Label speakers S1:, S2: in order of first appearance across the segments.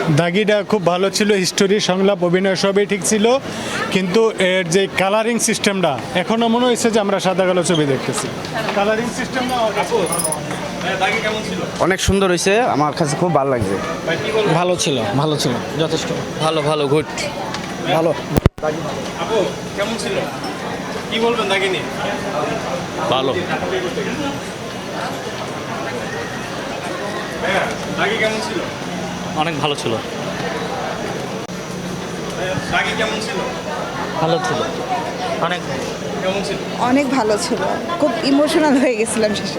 S1: দাগিটা খুব ভালো ছিল, হিস্টোরি, সংলাপ, অভিনয় সবই ঠিক ছিল, কিন্তু এর যে কালারিং সিস্টেমটা এখনও মনে হয়েছে যে আমরা সাদা কালো ছবি দেখতেছি। কালারিং সিস্টেমটা
S2: অনেক সুন্দর হয়েছে, আমার কাছে খুব ভালো লাগছে।
S3: ভালো ছিল, ভালো ছিল, যথেষ্ট
S4: ভালো ভালো গুড।
S2: ভালো।
S1: আপু কেমন ছিল, কি বলবেন দাগি নিয়ে?
S4: ভালো।
S1: দাগি কেমন ছিল?
S4: অনেক ভালো ছিল।
S1: দাগি কেমন ছিল?
S4: ভালো ছিল। অনেক
S1: কেমন ছিল?
S5: অনেক ভালো ছিল, খুব ইমোশনাল হয়ে গেছিলাম শেষে।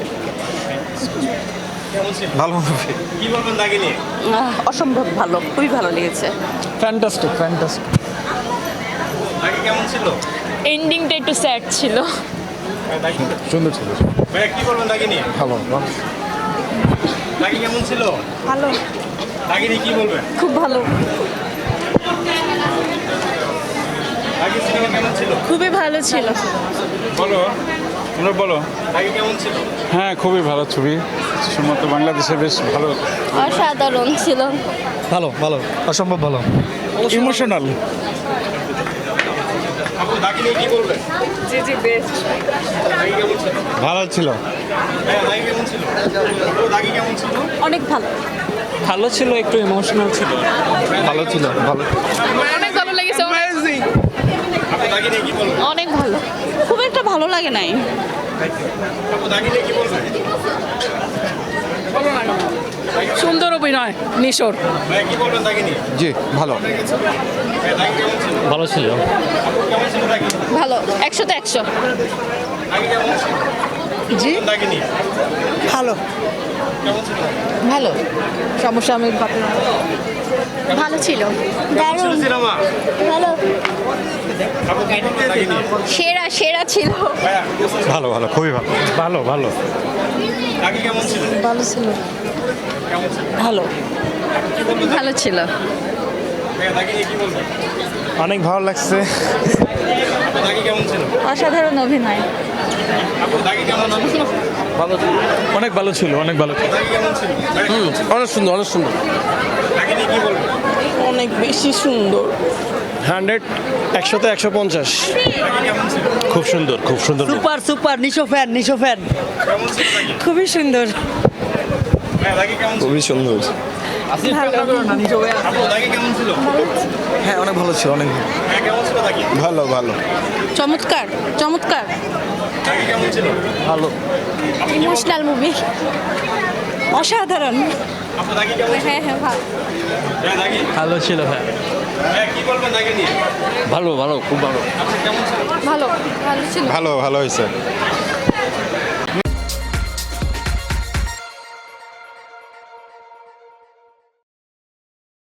S1: কেমন ছিল?
S2: ভালো।
S1: কি বলবেন দাগি নিয়ে?
S6: অসম্ভব ভালো, খুবই ভালো লেগেছে।
S3: Fantastic fantastic.
S1: দাগি কেমন ছিল?
S7: এন্ডিংটা একটু স্যাড ছিল।
S2: সুন্দর ছিল।
S1: ভাইয়া কি বলবেন দাগি নিয়ে?
S2: ভালো।
S1: দাগি কেমন ছিল?
S5: ভালো,
S1: দাগি নিয়ে কি বলবেন?
S5: খুব ভালো,
S1: দাগি সিনেমা কেমন ছিল?
S5: খুবই ভালো ছিল।
S1: বলো, তোমরা বলো, দাগি কেমন ছিল?
S8: হ্যাঁ, খুবই ভালো ছবি। সম্ভবত বাংলাদেশে বেশ ভালো।
S7: অসাধারণ ছিল।
S3: ভালো ভালো, অসম্ভব ভালো, ইমোশনাল।
S1: আপু দাগি নিয়ে কি বলবেন?
S7: জি জি বেস্ট।
S1: দাগি কেমন ছিল?
S2: ভালো ছিল।
S1: হ্যাঁ, দাগি কেমন ছিল? আপু, দাগি কেমন ছিল?
S5: অনেক ভালো,
S4: ভালো ছিল, একটু ইমোশনাল ছিল।
S2: ভালো ছিল। ভালো।
S7: অনেক ভালো লেগেছে।
S1: আপু দাগি নিয়ে কি বলবেন?
S7: অনেক ভালো।
S6: খুব একটা ভালো লাগে নাই।
S1: আপু দাগি নিয়ে কি বলবেন?
S6: সুন্দর অভিনয় নিশোর।
S1: ভাইয়া কি বলবেন দাগি নিয়ে?
S2: জি ভালো।
S1: ভাইয়া, দাগি কেমন ছিল?
S4: ভালো ছিল।
S1: আপু কেমন ছিল দাগি?
S7: ভালো, 100তে 100।
S1: দাগি কেমন ছিল?
S5: জি
S1: দাগি নিয়ে
S5: ভালো,
S1: কেমন ছিল?
S5: ভালো, সমসাময়িক ভালো ছিল,
S1: ছিল সিনেমা?
S7: ভালো,
S1: আপু কি বলবেন দাগি নিয়ে?
S7: সেরা সেরা ছিল।
S1: ভাইয়া,
S2: ভালো ভালো, খুবই ভালো।
S8: ভালো ভালো।
S1: দাগি কেমন ছিল?
S5: ভালো ছিল,
S1: কেমন ছিল?
S6: ভালো
S1: কি বলবেন?
S6: ভালো ছিল।
S1: ভাইয়া, দাগি নিয়ে কি বলবেন?
S2: অনেক ভালো লাগছে।
S1: আপু দাগি কেমন ছিল?
S5: অসাধারণ অভিনয়।
S1: আপু দাগি কেমন ছিল?
S3: অনেক ভালো ছিল, অনেক ভালো ছিল।
S1: দাগি কেমন ছিল? ভাইয়া, কেমন ছিল?
S2: অনেক সুন্দর, অনেক সুন্দর।
S1: দাগি নিয়ে কি বলবেন?
S6: অনেক বেশি সুন্দর।
S3: 100, 100তে 150।
S1: দাগি কেমন ছিল?
S3: খুব সুন্দর, খুব সুন্দর।
S6: Super super, Nisho fan, Nisho fan.
S1: কেমন ছিল দাগি?
S6: খুবই সুন্দর।
S1: ভাইয়া, দাগি কেমন ছিল?
S2: খুবই সুন্দর।
S1: আপু দাগি কেমন ছিল?
S3: হ্যাঁ, অনেক ভালো ছিল, অনেক।
S1: ভাইয়া, কেমন ছিল দাগি?
S2: ভালো ভালো।
S6: চমৎকার চমৎকার।
S1: দাগি কেমন ছিল?
S3: ভালো।
S7: Emotional movie.
S5: অসাধারণ।
S1: আপু দাগি কেমন ছিল?
S7: হ্যাঁ হ্যাঁ ভালো।
S1: ভাইয়া, দাগি
S4: ভালো ছিল। হ্যাঁ,
S1: ভাইয়া, কি বলবেন দাগি নিয়ে?
S4: ভালো ভালো, খুব ভালো।
S1: আপনি কেমন ছিল?
S7: ভালো, ভালো ছিল।
S2: ভালো ভালো হয়েছে।